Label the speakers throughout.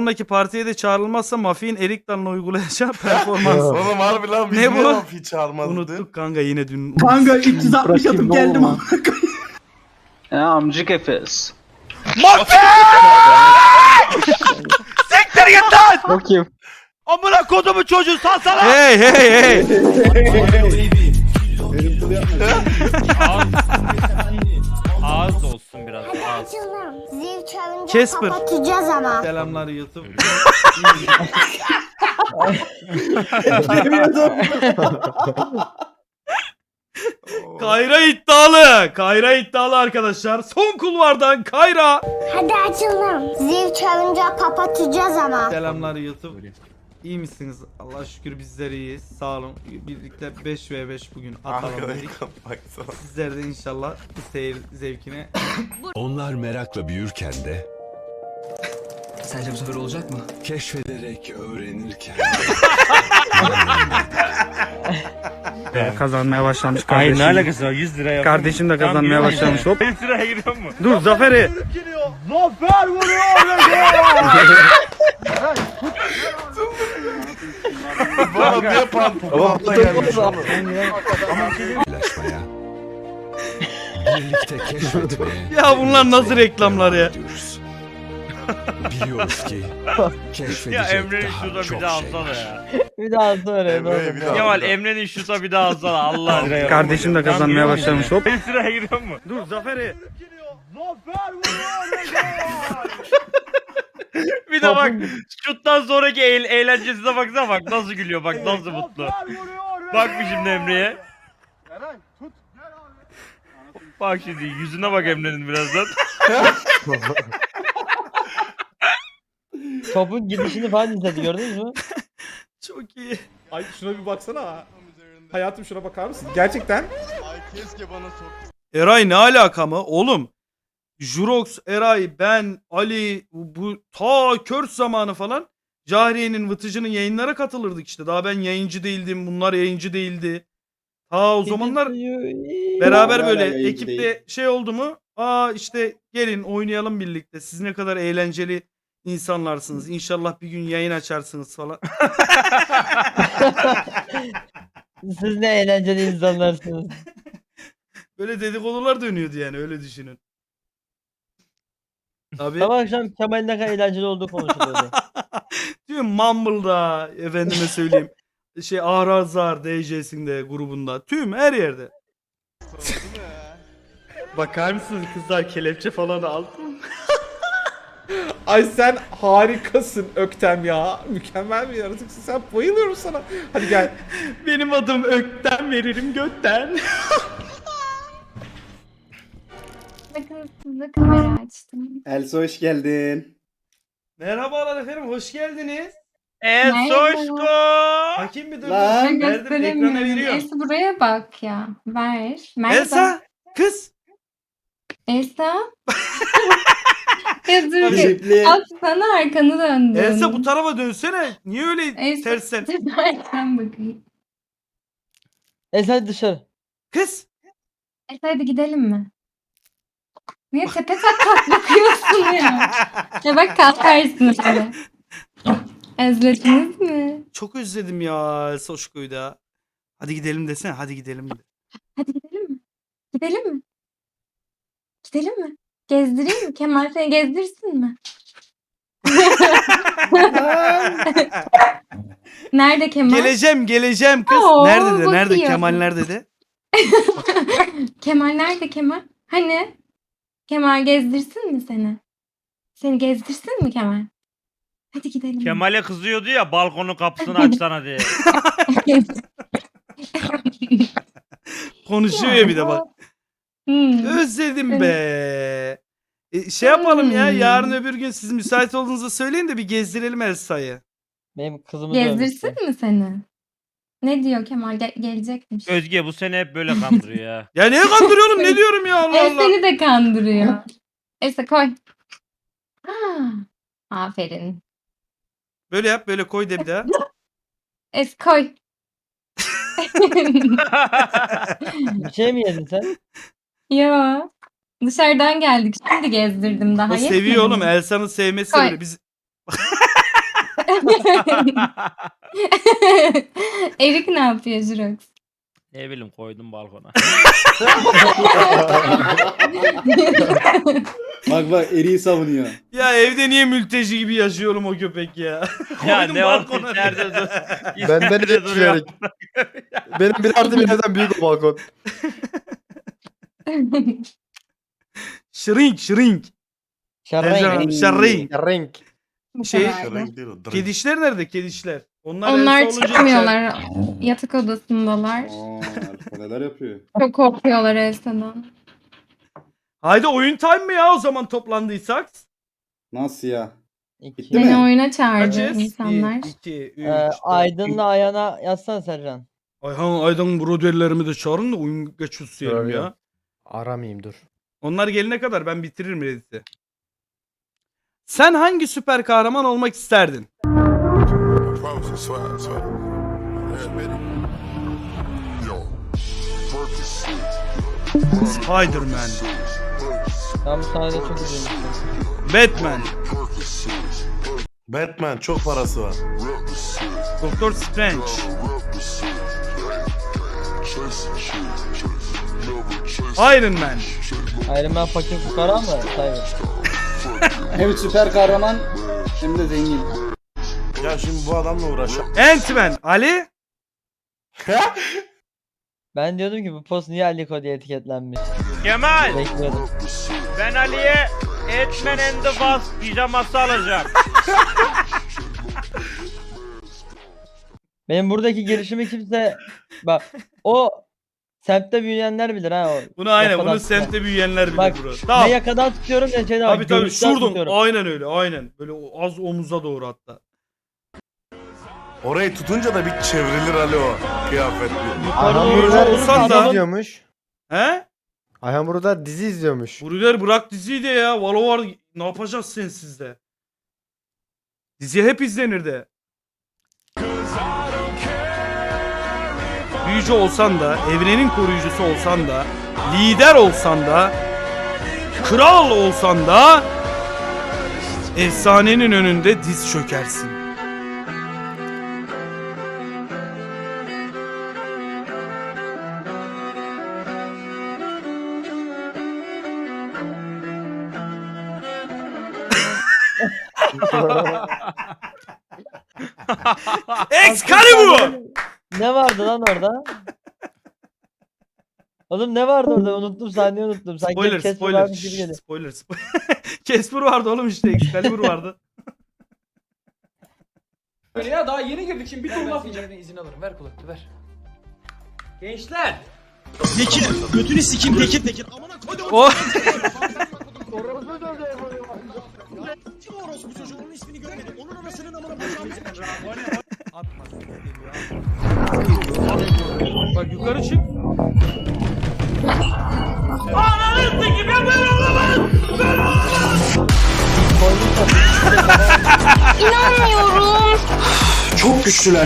Speaker 1: sonraki partiye de çağrılmazsa Mafi'nin Erik Dalı'na uygulayacağı performans.
Speaker 2: Oğlum harbi lan
Speaker 1: Ne bu?
Speaker 2: Hiç çağırmazdı.
Speaker 1: Unuttuk kanka yine dün.
Speaker 3: Kanka 360 atıp geldim ama.
Speaker 4: Ya amcık Efes.
Speaker 5: Siktir git lan!
Speaker 4: Bakayım.
Speaker 5: Amına kodumu çocuğu salsana!
Speaker 1: Hey hey hey.
Speaker 5: Ağız olsun biraz ağız.
Speaker 6: Açıldım. Zil çalınca
Speaker 1: Casper.
Speaker 6: kapatacağız ama.
Speaker 1: Selamlar YouTube. Kayra iddialı. Kayra iddialı arkadaşlar. Son kulvardan Kayra.
Speaker 6: Hadi açıldım. Zil çalınca kapatacağız ama.
Speaker 1: Selamlar YouTube. İyi misiniz? Allah şükür bizler iyiyiz. Sağ olun. Birlikte 5v5 bugün atalım dedik.
Speaker 2: Baksana.
Speaker 1: Sizler de inşallah bu seyir zevkine.
Speaker 7: Onlar merakla büyürken de
Speaker 3: Sence bu sefer olacak mı?
Speaker 7: keşfederek öğrenirken
Speaker 1: Kazanmaya başlamış
Speaker 5: Ay
Speaker 1: kardeşim.
Speaker 5: ne alakası var 100 lira yapalım.
Speaker 1: Kardeşim de kazanmaya başlamış. Hop.
Speaker 5: 100 liraya giriyor mu?
Speaker 1: Dur Zafer'i.
Speaker 5: Zafer vuruyor!
Speaker 2: Bana niye pantolonla gelmiş oğlum?
Speaker 7: paylaşmaya, birlikte keşfetmeye
Speaker 1: Ya bunlar nasıl reklamlar ya?
Speaker 7: gidiyoruz. Biliyoruz ki
Speaker 5: Ya
Speaker 7: keşfedecek
Speaker 5: Emre'nin
Speaker 7: daha
Speaker 5: şurada
Speaker 7: çok
Speaker 5: bir daha
Speaker 7: şey
Speaker 5: alsana
Speaker 7: var.
Speaker 5: ya.
Speaker 4: Bir daha sonra.
Speaker 2: Emre'ye bir daha.
Speaker 5: Kemal Emre'nin şuta bir daha alsana Allah aşkına.
Speaker 1: Kardeşim de kazanmaya başlamış. Hop.
Speaker 5: 100 liraya giriyor mu?
Speaker 1: Dur Zafer'i.
Speaker 5: Zafer vuruyor! Bir de bak şuttan sonraki eğlencesine baksana bak nasıl gülüyor bak nasıl mutlu. Bak bir şimdi Emre'ye. Bak şimdi yüzüne bak Emre'nin birazdan.
Speaker 4: Topun gidişini falan izledi gördünüz mü?
Speaker 1: Çok iyi.
Speaker 8: Ay şuna bir baksana. Hayatım şuna bakar mısın? Gerçekten
Speaker 1: Eray ne alaka mı? Oğlum. Jurox, Eray, ben, Ali, bu ta Kört zamanı falan Cahriye'nin, Vıtıcı'nın yayınlara katılırdık işte. Daha ben yayıncı değildim. Bunlar yayıncı değildi. Ta o zamanlar beraber böyle ekipte şey oldu mu? Aa işte gelin oynayalım birlikte. Siz ne kadar eğlenceli insanlarsınız. İnşallah bir gün yayın açarsınız falan.
Speaker 4: Siz ne eğlenceli insanlarsınız.
Speaker 1: Böyle dedikodular dönüyordu yani öyle düşünün. Tabii.
Speaker 4: Sabah akşam Kemal'in ne kadar eğlenceli olduğu konuşuluyordu.
Speaker 1: Tüm Mumble'da efendime söyleyeyim. Şey Ahrazar DJ'sinde grubunda. Tüm her yerde.
Speaker 8: bakar mısınız kızlar kelepçe falan aldım. Ay sen harikasın Öktem ya. Mükemmel bir yaratıksın sen. Bayılıyorum sana. Hadi gel. Benim adım Öktem veririm götten.
Speaker 6: Bakın size kamera açtım.
Speaker 3: Elsa hoş geldin.
Speaker 1: Merhabalar efendim hoş geldiniz.
Speaker 5: Soşko.
Speaker 1: Bakayım bir dur.
Speaker 3: Lan.
Speaker 1: Verdim ekrana veriyorum.
Speaker 9: Elsa buraya bak ya. Ver. Merhaba.
Speaker 1: Elsa kız.
Speaker 9: Elsa. Ya dur bir.
Speaker 3: Teşekkürler.
Speaker 9: Atsana arkanı döndün.
Speaker 1: Elsa bu tarafa dönsene. Niye öyle
Speaker 9: Elsa,
Speaker 1: tersen?
Speaker 9: Arkan bakayım.
Speaker 4: Sen dışarı.
Speaker 1: Kız.
Speaker 9: Elsa hadi gidelim mi? Niye tepe tak bakıyorsun ya? Ya bak kalkarsın şöyle. Özlediniz mi?
Speaker 1: Çok özledim ya Soşko'yu da. Hadi gidelim desene. Hadi gidelim de.
Speaker 9: Hadi gidelim mi? Gidelim mi? Gidelim mi? Gezdireyim mi? Kemal seni gezdirsin mi? Nerede Kemal?
Speaker 1: Geleceğim kız.
Speaker 9: Oo,
Speaker 1: Nerede de? Nerede?
Speaker 9: bakıyor.
Speaker 1: Kemal nerede de?
Speaker 9: Kemal nerede Kemal? Hani? Kemal gezdirsin mi seni? Seni gezdirsin mi Kemal? Hadi gidelim.
Speaker 5: Kemal'e kızıyordu ya balkonun kapısını açsana diye.
Speaker 1: Konuşuyor ya bir de bak.
Speaker 9: Hmm.
Speaker 1: Özledim be. Şey yapalım ya. Yarın öbür gün siz müsait olduğunuzu söyleyin de bir gezdirelim Elsa'yı.
Speaker 4: Benim kızımı
Speaker 9: Gezdirsin mi seni? Ne diyor Kemal? Gelecekmiş.
Speaker 5: Özge bu sene hep böyle kandırıyor ya.
Speaker 1: Ya niye kandırıyorum? Ne diyorum ya Allah Allah.
Speaker 9: Seni de kandırıyor. Elsa koy. Ah, aferin.
Speaker 1: Böyle yap, böyle koy de bir daha.
Speaker 9: Koy.
Speaker 4: Bir şey mi yedin sen?
Speaker 9: Yo. Dışarıdan geldik. Şimdi gezdirdim daha.
Speaker 1: O seviyor
Speaker 9: yetmedi
Speaker 1: oğlum.
Speaker 9: mi?
Speaker 1: Elsa'nın sevmesi
Speaker 9: Koy.
Speaker 1: böyle. Biz
Speaker 9: Erik ne yapıyor Jurox?
Speaker 5: Ne bileyim koydum balkona.
Speaker 3: Bak bak eriği savunuyor.
Speaker 1: Ya evde niye mülteci gibi yaşıyorum o köpek ya?
Speaker 5: Ya
Speaker 1: Koydum
Speaker 5: ne var
Speaker 1: balkona
Speaker 5: içeride
Speaker 1: diye.
Speaker 5: dur.
Speaker 2: Ben
Speaker 5: İçeride
Speaker 2: de
Speaker 5: duruyor.
Speaker 2: düşünerek. Benim bir artı bir evden büyük o balkon.
Speaker 1: Shrink.
Speaker 4: Şarayın.
Speaker 1: Shrink.
Speaker 2: Renk.
Speaker 9: Bu
Speaker 1: Şey-
Speaker 9: kadardı.
Speaker 1: Kedişler nerede kedişler?
Speaker 9: Onlar
Speaker 1: evde olunca
Speaker 9: çıkmıyorlar. Yatak odasındalar.
Speaker 3: Alfa neler yapıyor?
Speaker 9: Çok korkuyorlar Elsa'dan.
Speaker 1: Haydi oyun time mı ya o zaman toplandıysak?
Speaker 3: Nasıl ya?
Speaker 4: İki.
Speaker 3: Bitti
Speaker 9: Beni
Speaker 3: mi?
Speaker 9: oyuna çağırdı
Speaker 1: Kaçız?
Speaker 9: insanlar.
Speaker 1: 1, 2, 3,
Speaker 4: Aydın'la Ayhan'a yazsana Sercan.
Speaker 1: Ayhan Aydan broderlerimi de çağırın da oyun geçiyorsun ya.
Speaker 2: Söylüyorum. Aramayayım dur.
Speaker 1: Onlar gelene kadar ben bitiririm Reddit'i. Sen hangi süper kahraman olmak isterdin? Spider-Man,
Speaker 4: Ben bu sahnede çok üzülmüştüm.
Speaker 1: Batman,
Speaker 2: Batman çok parası var.
Speaker 1: Doctor Strange, Iron Man,
Speaker 4: Iron Man fakir fukara mı? Cyber.
Speaker 3: Hem süper kahraman hem de zengin.
Speaker 2: Ya şimdi bu adamla uğraşacağım.
Speaker 1: Ant-Man, Ali,
Speaker 4: Ben diyordum ki bu post niye Aliko diye etiketlenmiş.
Speaker 5: Kemal
Speaker 4: Bekliyordum.
Speaker 5: ben Ali'ye Etmen and the Wasp pijaması alacağım.
Speaker 4: Benim buradaki girişimi kimse... Bak o semtte büyüyenler bilir ha o.
Speaker 1: bunu aynen
Speaker 4: yakadan
Speaker 1: bunu
Speaker 4: tutuyor.
Speaker 1: semtte büyüyenler bilir
Speaker 4: Bak
Speaker 1: bro.
Speaker 4: ne
Speaker 1: Tamam.
Speaker 4: yakadan tutuyorum ne şeyden
Speaker 1: Tabii tabii
Speaker 4: göğüsten
Speaker 1: şuradan
Speaker 4: tutuyorum.
Speaker 1: aynen öyle aynen. Böyle az omuza doğru hatta.
Speaker 2: Orayı tutunca da bir çevrilir Ali o kıyafetli.
Speaker 4: Yukarı
Speaker 1: Ayhan
Speaker 4: doğru
Speaker 1: burada
Speaker 4: olursa
Speaker 1: olsan da-
Speaker 4: adamın-
Speaker 2: izliyormuş.
Speaker 1: He?
Speaker 2: Ayhan burada dizi izliyormuş.
Speaker 1: Bruder bırak diziyi de ya. Valo var. Ne yapacağız sensiz de? Dizi hep izlenir de. Büyücü olsan da, evrenin koruyucusu olsan da, lider olsan da, kral olsan da efsanenin önünde diz çökersin. Excalibur!
Speaker 4: Ne vardı lan orada? Oğlum ne vardı orada? Unuttum sahneyi unuttum. Sanki
Speaker 1: Spoiler,
Speaker 4: Casper
Speaker 1: spoiler.
Speaker 4: varmış gibi geliyor.
Speaker 1: Spoiler, spoiler. Casper vardı oğlum işte. Excalibur vardı.
Speaker 3: Ya daha yeni girdik şimdi bir tur laf
Speaker 10: izin alırım. Ver kulaklığı ver.
Speaker 3: Gençler.
Speaker 1: O bak yukarı çık.
Speaker 6: İnanmıyorum.
Speaker 3: Çok güçlüler.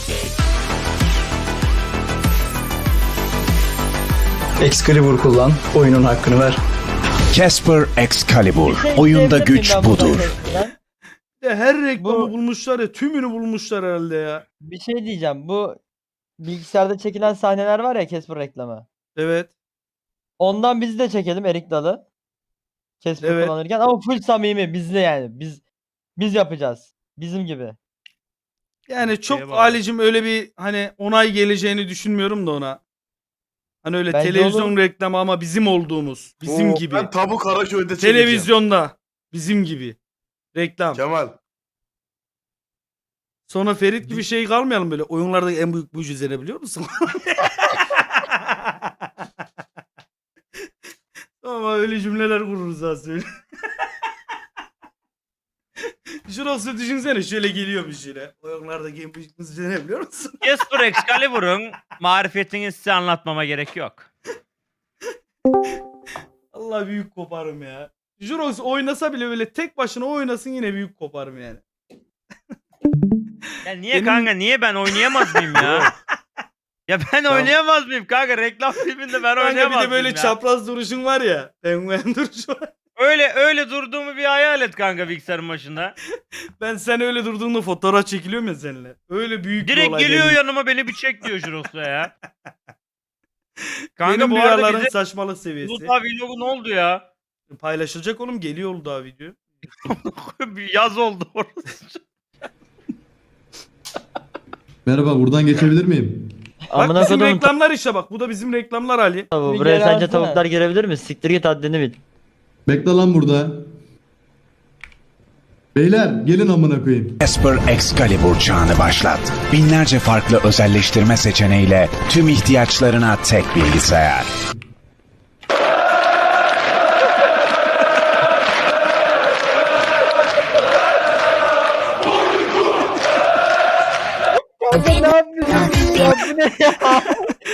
Speaker 3: Excalibur kullan. Oyunun hakkını ver.
Speaker 7: Casper Excalibur.
Speaker 4: Bir şey
Speaker 7: Oyunda
Speaker 4: izleyebilir
Speaker 7: güç
Speaker 4: miyim ben buradan
Speaker 7: budur.
Speaker 4: Casper'dan?
Speaker 1: Ya her reklamı
Speaker 4: Bu-
Speaker 1: bulmuşlar ya. Tümünü bulmuşlar herhalde ya.
Speaker 4: Bir şey diyeceğim. Bu bilgisayarda çekilen sahneler var ya Casper reklamı.
Speaker 1: Evet.
Speaker 4: Ondan bizi de çekelim Erik Dalı. Casper
Speaker 1: Evet.
Speaker 4: kullanırken ama full samimi bizle yani. Biz yapacağız. Bizim gibi.
Speaker 1: Yani çok
Speaker 5: Şeye bağlı.
Speaker 1: Ali'cim öyle bir hani onay geleceğini düşünmüyorum da ona. Hani öyle
Speaker 4: Bence
Speaker 1: televizyon
Speaker 4: olur.
Speaker 1: reklamı ama bizim olduğumuz. Bizim
Speaker 2: Oo,
Speaker 1: gibi.
Speaker 2: Ben tabu Karaköy'de çekeceğim.
Speaker 1: Televizyonda. Bizim gibi. Reklam.
Speaker 2: Kemal.
Speaker 1: Sonra Ferit gibi şey kalmayalım böyle. Oyunlardaki en büyük mucize ne biliyor musun? Ama öyle cümleler kururuz ha söyle. Şurası düşünsene şöyle geliyormuş yine. Oyunlardaki en büyük mucize ne biliyor musun?
Speaker 5: Casper Excalibur'un marifetini size anlatmama gerek yok.
Speaker 1: Allah büyük koparım ya. Jurox oynasa bile böyle tek başına oynasın yine büyük koparım yani.
Speaker 5: Ya niye
Speaker 1: Benim-
Speaker 5: kanka niye ben oynayamaz mıyım ya? Ya ben oynayamaz mıyım kanka? Reklam filminde ben
Speaker 1: Kanka bir
Speaker 5: oynayamaz
Speaker 1: de böyle
Speaker 5: mıyım ya?
Speaker 1: çapraz duruşun var ya. Penguen duruşu var.
Speaker 5: öyle durduğumu bir hayal et kanka bilgisayarın başında.
Speaker 1: Ben sen öyle durduğunda fotoğraf çekiliyorum ya seninle. Öyle büyük bir
Speaker 5: Direkt
Speaker 1: olay
Speaker 5: geliyor
Speaker 1: benim.
Speaker 5: yanıma beni bir çek diyor Juros'la ya. Kanka
Speaker 1: Benim
Speaker 5: bu arada
Speaker 1: rüyaların
Speaker 5: bize
Speaker 1: saçmalık seviyesi.
Speaker 5: Uludağ vlogu ne oldu ya?
Speaker 1: Paylaşılacak oğlum, geliyor Uludağ video.
Speaker 5: Bir yaz oldu orası.
Speaker 10: Merhaba, buradan geçebilir miyim?
Speaker 1: Bak
Speaker 4: Amına
Speaker 1: bizim
Speaker 4: kodumun
Speaker 1: reklamlar işte bak. Bu da bizim reklamlar Ali.
Speaker 4: tavuğu. Bir Buraya geri sence alsana. tavuklar girebilir mi? Siktir git haddini bil.
Speaker 10: Bekle lan burada. Beyler gelin amına koyayım.
Speaker 7: Casper Excalibur çağını başlat. Binlerce farklı özelleştirme seçeneğiyle tüm ihtiyaçlarına tek bilgisayar.
Speaker 4: Ne yapıyorsun ya? Bu ne ya?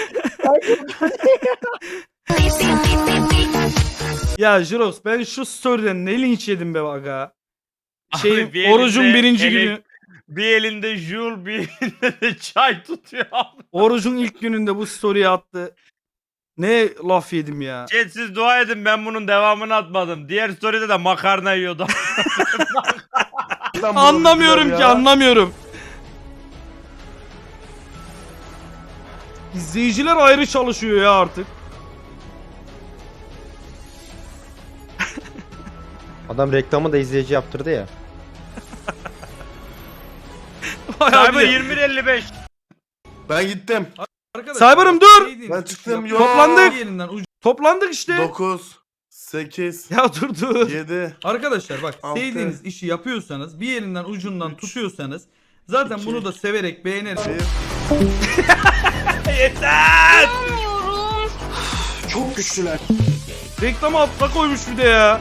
Speaker 1: Ya Jiros, ben şu story'den ne linç yedim be aga.
Speaker 5: Abi bir
Speaker 1: Orucun
Speaker 5: elinde
Speaker 1: birinci günü.
Speaker 5: Bir elinde Jul, bir elinde de çay tutuyor abi.
Speaker 1: Orucun ilk gününde bu story'i attı. Ne laf yedim ya.
Speaker 5: Chat siz dua edin ben bunun devamını atmadım. Diğer story'de de makarna yiyordu.
Speaker 1: Anlamıyorum ki, anlamıyorum. İzleyiciler ayrı çalışıyor ya artık.
Speaker 2: Adam reklamı da izleyici yaptırdı ya.
Speaker 5: Cyber 21.55.
Speaker 2: Ben gittim.
Speaker 1: Cyber'ım dur.
Speaker 2: Ben çıktım. Yok.
Speaker 1: Toplandık. Toplandık işte.
Speaker 2: 9, 8,
Speaker 1: Ya dur.
Speaker 2: 7.
Speaker 1: Arkadaşlar bak,
Speaker 2: Altı.
Speaker 1: sevdiğiniz işi yapıyorsanız, bir yerinden ucundan tutuyorsanız zaten bunu da severek beğenerek. Yeter!
Speaker 3: Çok güçlüler.
Speaker 1: Reklamı altına koymuş bir de ya.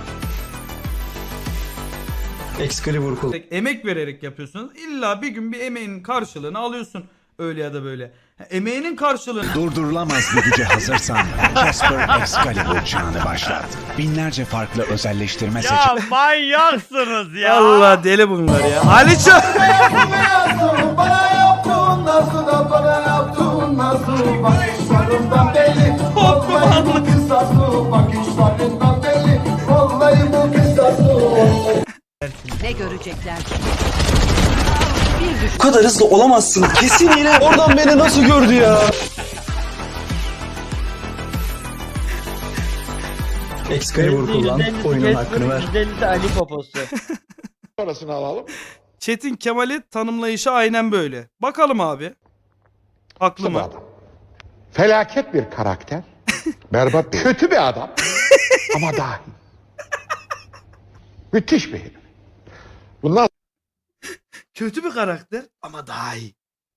Speaker 3: Excalibur kul.
Speaker 1: Emek vererek yapıyorsunuz. İlla bir gün bir emeğin karşılığını alıyorsun. Öyle ya da böyle. Emeğinin karşılığını.
Speaker 7: Durdurulamaz bir güce hazırsan Casper Excalibur çağını başlat. Binlerce farklı özelleştirme
Speaker 5: Ya manyaksınız ya.
Speaker 1: Allah deli bunlar ya. Aliço.
Speaker 11: Ne görecekler?
Speaker 3: Bu kadar hızlı olamazsın. Kesin yine oradan beni nasıl gördü ya? Excalibur kullan. Oyunun hakkını ver.
Speaker 4: %50'si Ali poposu.
Speaker 2: Parasını alalım.
Speaker 1: Çetin Kemal'i tanımlayışı aynen böyle. Bakalım abi. Haklı mı?
Speaker 2: Felaket bir karakter. Berbat bir. Kötü bir adam. Ama dahi. Müthiş bir herif. Bundan
Speaker 1: Kötü bir karakter ama daha iyi.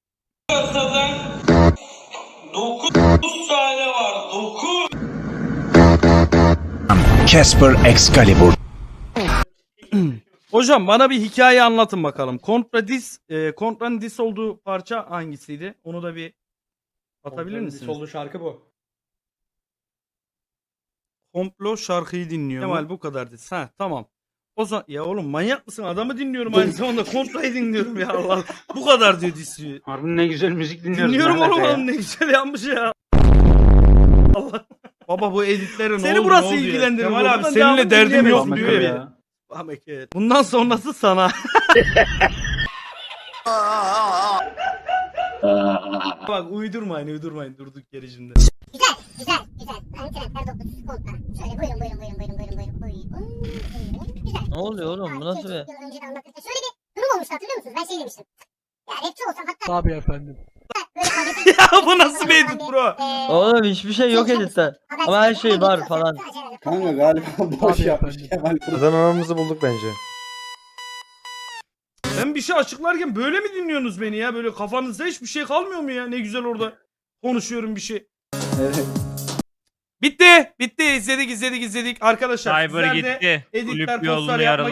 Speaker 7: Casper Excalibur.
Speaker 1: Hocam bana bir hikaye anlatın bakalım. Kontra'nın diss olduğu parça hangisiydi? Onu da bir atabilir misiniz?
Speaker 3: Solu şarkı bu.
Speaker 1: Komplo şarkıyı dinliyor. Kemal bu kadar diss. Ha tamam. O zaman ya oğlum manyak mısın? Adamı dinliyorum aynı zamanda Kontra'yı dinliyorum ya Allah. Bu kadar diyor dissi.
Speaker 5: Harbi ne güzel müzik dinliyoruz.
Speaker 1: Dinliyorum oğlum adam ne güzel yapmış ya. Allah. Baba bu editlerin ne Seni oldu, burası ne oldu ya? ilgilendirmiyor. Kemal abi Ben seninle devamını derdim yok dinleyemezsin diyor ya. Bundan sonrası sana. Bak uydurmayın durduk yere şimdi.
Speaker 6: Güzel. İnternet dokusu kontra. Şöyle buyurun. Güzel.
Speaker 4: Ne oluyor oğlum? Bu nasıl bir...
Speaker 6: Yıl önce de anlattık. Şöyle bir durum olmuştu, hatırlıyor musunuz? Ben şey demiştim. Ya rapçi olsam hatta...
Speaker 3: Tabii efendim.
Speaker 6: Böyle
Speaker 1: Ya bu nasıl bir edit bro?
Speaker 4: Oğlum hiçbir şey yok editte. Ama her şey var falan.
Speaker 3: Kanka galiba boş yapmış Kemal.
Speaker 2: kazananımızı bulduk bence.
Speaker 1: Ben bir şey açıklarken böyle mi dinliyorsunuz beni ya? Böyle kafanızda hiçbir şey kalmıyor mu ya? Ne güzel orada konuşuyorum bir şey.
Speaker 3: Evet.
Speaker 1: Bitti. İzledik. Arkadaşlar
Speaker 5: Cyber
Speaker 1: sizler de
Speaker 5: gitti.
Speaker 1: editler,
Speaker 5: Kulüp
Speaker 1: postlar
Speaker 5: yolunu
Speaker 1: yapmak
Speaker 5: yaraladı.